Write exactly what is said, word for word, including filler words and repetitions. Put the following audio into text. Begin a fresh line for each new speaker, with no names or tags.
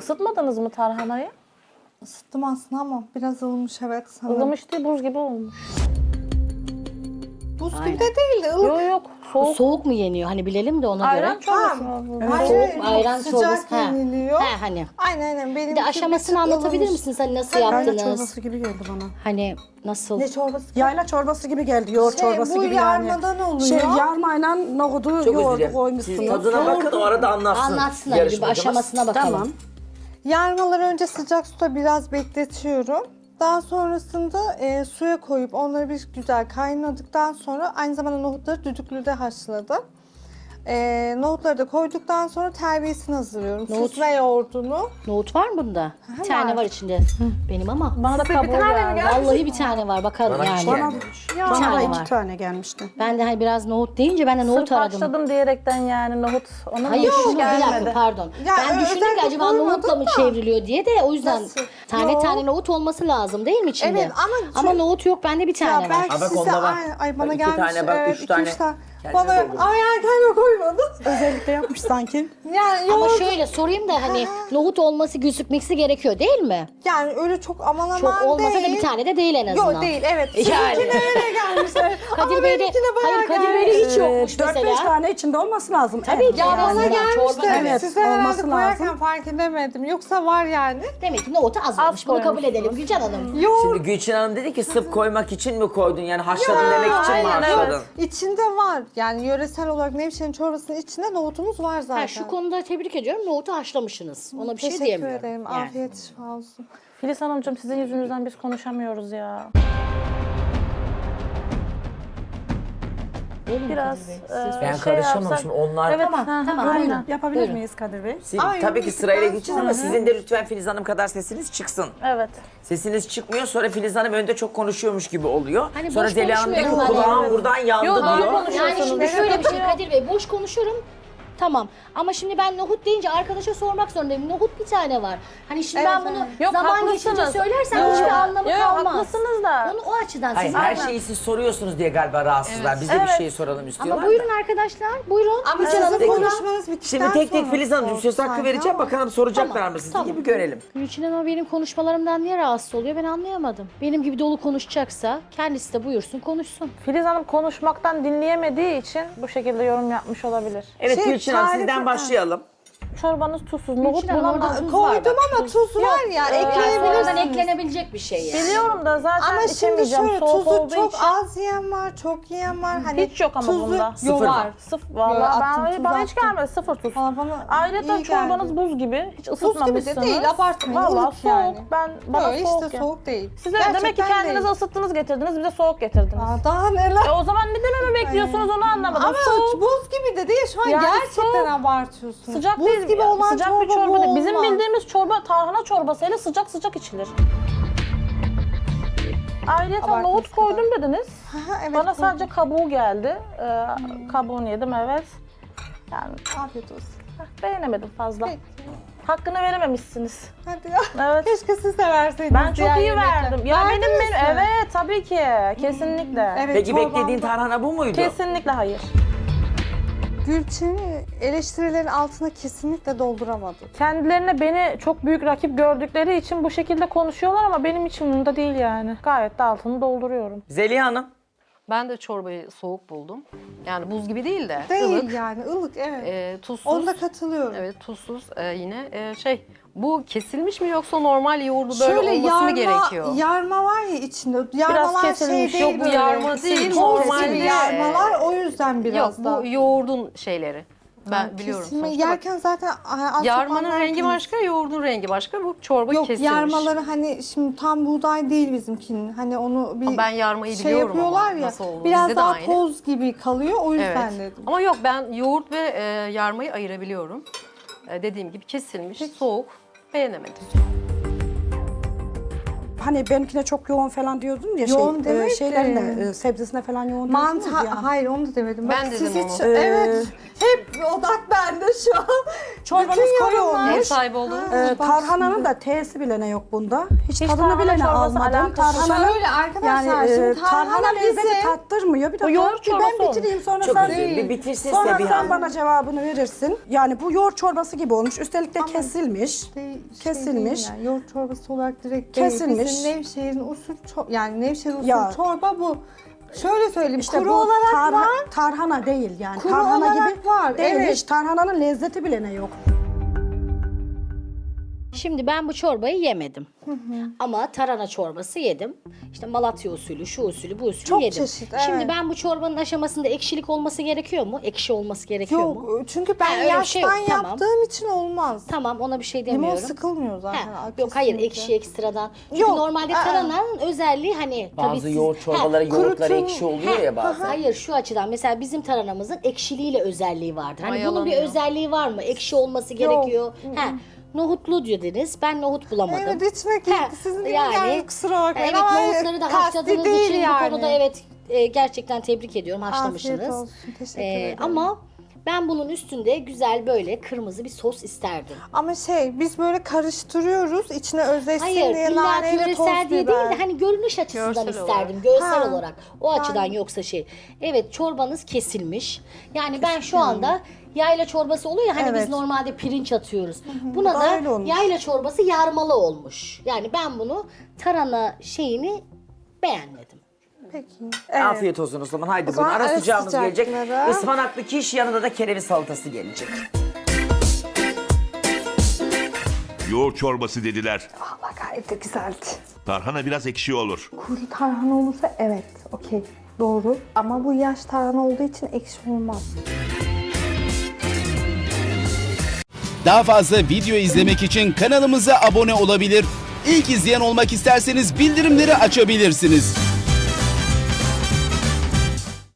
Isıtmadınız mı tarhanayı?
Isıttım aslında ama biraz ılmış evet sanırım.
Ilımış değil, buz gibi olmuş.
Buz
Aynen.
gibi de değildi. ılık.
Yok yok,
Bu
soğuk.
soğuk mu yeniyor? Hani bilelim de ona
Ayran
göre.
çorbası
Ha,
mı?
evet.
Soğuk ayran
Sıcak
çorbası. Ha.
yeniliyor.
Ha, hani.
Aynen aynen. Benim
Bir de aşamasını anlatabilir misiniz? Hani nasıl
Yayla
yaptınız?
çorbası gibi geldi bana.
Hani nasıl?
Ne çorbası?
Yayla çorbası gibi geldi, yoğurt
Şey,
çorbası
bu
gibi yani.
yarmadan oluyor.
Şey, yarmayla nohudu,
Çok özür
yoğurdu
dilerim. Siz
koymuşsunuz.
tadına bakın o arada anlatsın.
Anlatsın hadi bir
yarışmacımız.
aşamasına bakalım.
Tamam.
Yarmaları önce sıcak suda biraz bekletiyorum. Daha sonrasında e, suya koyup onları bir güzel kaynadıktan sonra aynı zamanda nohutları düdüklüde haşladım. E, nohutları da koyduktan sonra terbiyesini hazırlıyorum.
Nohut-
Süt ve yoğurdunu.
Nohut var mı bunda? Bir
var.
tane var içinde. Benim ama.
Bana da kabuğu geldi.
Vallahi bir tane var bakalım
Bana hiç
yani.
gelmemiş.
Bir
Bana da
tane
iki
var.
tane gelmişti.
Ben de hani biraz nohut deyince ben de nohut
Sırf
aradım.
haşladım diyerekten yani nohut. Ona
Hayır
nohut
şu bir dakika
gelmedi.
pardon.
Ya,
ben
ö-
düşündüm ki
özellikle
acaba nohutla mı
koymadım da.
çevriliyor diye de o yüzden
Nasıl?
tane
Yok.
tane nohut olması lazım değil mi içinde?
Evet, ama
Ama
çok-
nohut yok bende bir tane
Ya
var.
belki
Ha, bak
size
onda var.
ay, ay bana
Bak iki
gelmiş.
tane, bak
evet,
üç
iki,
tane.
üç tane.
Kendine
Bana
doldurun.
ay ay kendime koymadım.
Özellikle yapmış sanki.
Yani
Ama
yoğurt-
şöyle sorayım da hani nohut olması gözükmesi gerekiyor değil mi?
yani öyle çok aman aman
Çok olmasa
değil.
da bir tane de değil en azından.
Yok değil evet.
Yani.
Sizinkine öyle gelmiş. Evet.
Kadir
Ama
Bey'de,
benimkine bayağı
hayır Kadir
gelmiş.
Bey'de hiç yokmuş
dört beş
mesela.
tane içinde olması lazım.
Tabii
En
ki.
Ya
az.
bana
Yani
gelmişti.
çorba-
Evet,
Size herhalde
olması
koyarken
lazım.
fark edemedim. Yoksa var yani.
Demek ki nohutu az olmuş.
Az
Bunu kabul
koymuşsunuz.
edelim Gülcan Hanım.
Yoğurt
Şimdi Gülçin Hanım dedi ki sırf koymak için mi koydun? Yani haşladın demek için mi
aynen,
haşladın?
evet.
içinde var. Yani yöresel olarak Nevşehir'in çorbasının içinde nohutumuz var zaten.
Ha, şu konuda tebrik ediyorum. Nohutu haşlamışsınız. Ona bir şey
Teşekkür
diyemiyorum.
ederim.
Yani.
Afiyet şifa olsun.
Filiz Hanımcığım sizin yüzünüzden biz konuşamıyoruz ya. Biraz e,
Ben
şey
karışamam
yapsak-
şimdi onlar.
Evet,
Tamam,
ha,
tamam,
aynen.
buyurun.
Yapabilir
Buyurun.
miyiz Kadir Bey?
Siz,
Ay,
tabii ki
yok,
sırayla
ben
gideceğiz ama sizin de lütfen Filiz Hanım kadar sesiniz çıksın.
Evet.
Sesiniz çıkmıyor sonra Filiz Hanım önde çok konuşuyormuş gibi oluyor.
Hani
sonra
boş
Zeliha Hanım diyor ki
konuşmuyorum
kulağım
hani.
buradan yandı
Yok, doğru
diyor.
konuşuyorsunuz.
Yani şimdi
Evet,
şöyle bir şey
yok.
Kadir Bey, boş konuşurum. Tamam ama şimdi ben nohut deyince arkadaşa sormak zorundayım. Nohut bir tane var. Hani şimdi
Evet,
ben bunu
evet.
Yok,
zaman geçince
haklısınız.
söylersem
Yok,
hiçbir anlamı
yok,
kalmaz.
haklısınız da.
Onu o açıdan
Hayır
siz
her
anla-
şeyi siz soruyorsunuz diye galiba rahatsızlar. Biz de bir
Evet.
şey soralım istiyorlar.
Ama
da.
buyurun arkadaşlar, buyurun.
Ama
Gülcan Hanım
sizin
buyurun.
konuşmanız bittikten
Şimdi tek tek
sonra
Filiz Hanımcığım söz hakkı
olsaydı
vereceğim.
ama-
Bakalım soracaklar
Tamam,
mı sizi
tamam.
gibi görelim.
Gülçin Hanım benim konuşmalarımdan niye rahatsız oluyor ben anlayamadım. Benim gibi dolu konuşacaksa kendisi de buyursun konuşsun.
Filiz Hanım konuşmaktan dinleyemediği için bu şekilde yorum yapmış olabilir.
Evet
Şey,
Gülçin Hanım
tarifi-
sizden başlayalım.
Çorbanız tuzsuz. Nohut
Gülçin Hanım
buna
orada
bak-
tuz var
Koydum
bak.
ama tuz var ya
Yani sonradan
ekleyebilirsiniz.
eklenebilecek bir şey yani.
Biliyorum da zaten
Ama şimdi
içemeyeceğim
şöyle
soğuk
tuzu
olduğu
çok
için.
az yiyen var, çok yiyen var. Hani
Hiç yok ama
tuzu,
bunda.
Yok
Sıfır mı?
var.
Sıfır.
Yo,
Vallahi
attım,
ben,
tuz
bana hiç
attım.
gelmedi. Sıfır tuz.
Bana, bana
Ayrıca
iyi
çorbanız
geldi.
buz gibi. Hiç
Buz gibi
ısıtmamışsınız.
de değil, abartmayın.
Vallahi
ılık
soğuk.
yani.
Ben, bana
Yok
soğuk
işte
yani.
soğuk değil.
Siz de demek ki
Gerçekten
kendinizi
değil.
ısıttınız getirdiniz. Bize soğuk getirdiniz.
Aa, daha neler.
E o zaman ne dememi bekliyorsunuz onu anlamadım.
Ama
soğuk.
buz gibi de değil şu an
Yani
gerçekten
soğuk.
abartıyorsunuz.
Sıcak
buz
değil,
gibi olan
sıcak
çorba,
bir çorba
bu
değil. Bizim
olmaz.
bildiğimiz çorba tarhana çorbasıyla sıcak sıcak içilir. Ayrıca
Abartmış
nohut
kadar.
koydum dediniz.
Aha, evet,
Bana
koydum.
sadece kabuğu geldi. Ee, Kabuğunu yedim evet. Yani
Afiyet olsun.
heh, beğenemedim fazla.
Peki.
Hakkını verememişsiniz.
Hadi ya.
Evet.
Keşke siz de verseydiniz.
Ben çok
diğer
iyi
yemekler.
verdim. Ya benim
Verdiniz
benim
mi?
evet tabii ki kesinlikle.
Evet,
Peki
çorbamda-
beklediğin tarhana bu muydu?
Kesinlikle hayır.
Gülçin'i eleştirilerin altına kesinlikle dolduramadı.
Kendilerine beni çok büyük rakip gördükleri için bu şekilde konuşuyorlar ama benim için bunda değil yani. Gayet de altını dolduruyorum.
Zeliha Hanım.
Ben de çorbayı soğuk buldum. Yani buz gibi değil de
Değil
ılık,
yani ılık evet.
e, tuzsuz.
Onda katılıyorum.
Evet tuzsuz e, yine e, şey bu kesilmiş mi yoksa normal yoğurdu böyle
Şöyle
olması
yarma,
mı gerekiyor?
yarma var ya içinde. Yarmalar şey
kesilmiş.
değil
Yok, bu
böyle.
yarma değil,
Toz
normalde-
gibi yarmalar o yüzden biraz
Yok
da.
bu yoğurdun şeyleri. Ben
Ha,
biliyorum.
kesilme-
sonuçta. Bak,
Yerken zaten az çok
yarmanın rengi
anlardınız.
başka, yoğurdun rengi başka. Bu çorba
Yok
kesilmiş.
yarmaları hani şimdi tam buğday değil bizimkinin. Hani onu bir
Ama ben yarmayı
şey
biliyorum
yapıyorlar
ama
ya.
nasıl olduğunu.
Biraz
Bizde de
daha
aynı.
toz gibi kalıyor o yüzden
Evet.
dedim.
Ama yok ben yoğurt ve e, yarmayı ayırabiliyorum. E, dediğim gibi kesilmiş, soğuk. Beğenemedim.
Hani benimkine çok yoğun falan diyordun ya
Yoğun
şey, e,
demedim.
şeylerine, e, sebzesine falan yoğun
Mantı
diyordunuz ya.
hayır onu da demedim.
Ben
Bak,
dedim
siz hiç,
onu.
evet. Hep odak bende şu an.
Çorbanız
Bütün
koyu
yorumlar-
Ev
olmuş.
sahibi olduğunuz
Ha.
Ee, tarhananın da T'si bile ne yok bunda. Hiç,
Hiç
tadını
tarhana
bile ne
çorbası
almadım.
alakası-
Tarhananın
Şöyle arkadaşlar,
yani e,
şimdi tarhana
tarhana lezzeti
bizi-
tattırmıyor. Bir
O
dakika
yoğurt çorbası
ben
olmuş.
bitireyim sonra
Çok
sen
özür dilerim. Bir bitirsin
sonra
Sebiha
sen
Hanım.
bana cevabını verirsin. Yani bu yoğurt çorbası gibi olmuş. Üstelik de kesilmiş.
Şey-
Kesilmiş.
Şey değil yani, yoğurt çorbası olarak direkt
Kesilmiş.
değil. Bizim Nevşehir'in usul ço- yani Nevşehir usul
Ya.
çorba bu. Şöyle söyleyeyim,
İşte
kuru
bu
olarak
tarha-
var.
tarhana değil yani.
Kuru
tarhana
olarak
gibi
var,
değil.
evet.
Hiç tarhananın lezzeti bile ne yok.
Şimdi ben bu çorbayı yemedim. Ama tarhana çorbası yedim. İşte Malatya usulü, şu usulü, bu usulü
Çok
yedim.
çeşit,
Şimdi
evet.
ben bu çorbanın aşamasında ekşilik olması gerekiyor mu? Ekşi olması gerekiyor mu?
Yok çünkü ben
Ha, öyle bir şey yok,
yaştan
tamam.
yaptığım için olmaz.
Tamam, ona bir şey
Limon
demiyorum.
sıkılmıyor zaten.
Ha,
kesinlikle.
yok hayır, ekşi ekstradan. Çünkü
Yok,
normalde
aa.
tarhananın özelliği hani tabii
Bazı
siz-
yoğurt
Ha,
çorbaları yoğurtları
kurutun-
ekşi oluyor ya bazen.
Hayır, şu açıdan mesela bizim tarhanamızın ekşiliğiyle özelliği vardır. Hani bunun bir
Mayalanıyor.
özelliği var mı? Ekşi olması gerekiyor. Ha, nohutlu dediniz. Ben nohut bulamadım.
Evet içmek
Ha,
yok. Sizin gibi yani, kusura bakmayın
Evet,
ama
nohutları da
kasti
haşladığınız
değil
için
yani.
bu konuda evet e, gerçekten tebrik ediyorum. Haşlamışsınız.
Afiyet olsun, teşekkür
Ee,
ederim.
ama ben bunun üstünde güzel böyle kırmızı bir sos isterdim.
Ama şey biz böyle karıştırıyoruz içine özleşsin
Hayır,
diye
illa
naneyle toz
yöresel diye değil
biber.
de hani görünüş açısından
Görsel
isterdim.
olarak.
Görsel
Ha.
olarak. O açıdan yoksa şey. Evet, çorbanız kesilmiş. Yani ben şu anda yayla çorbası oluyor ya hani
Evet.
biz normalde pirinç atıyoruz. Buna
da
da
öyle olmuş.
yayla çorbası yarmalı olmuş. Yani ben bunu tarhana şeyini beğenmedim.
Peki. Evet.
Afiyet olsun o zaman. Haydi
O
buyurun.
zaman
Ara
ara
sıcağımız gelecek.
sıcakları.
Ispanaklı kiş, yanında da kereviz salatası gelecek.
Yoğurt çorbası dediler.
Valla gayet de güzeldi.
Tarhana biraz ekşi olur.
Kuru tarhana olursa evet okey doğru. Ama bu yaş tarhana olduğu için ekşi olmaz.
Daha fazla video izlemek için kanalımıza abone olabilir. İlk izleyen olmak isterseniz bildirimleri açabilirsiniz.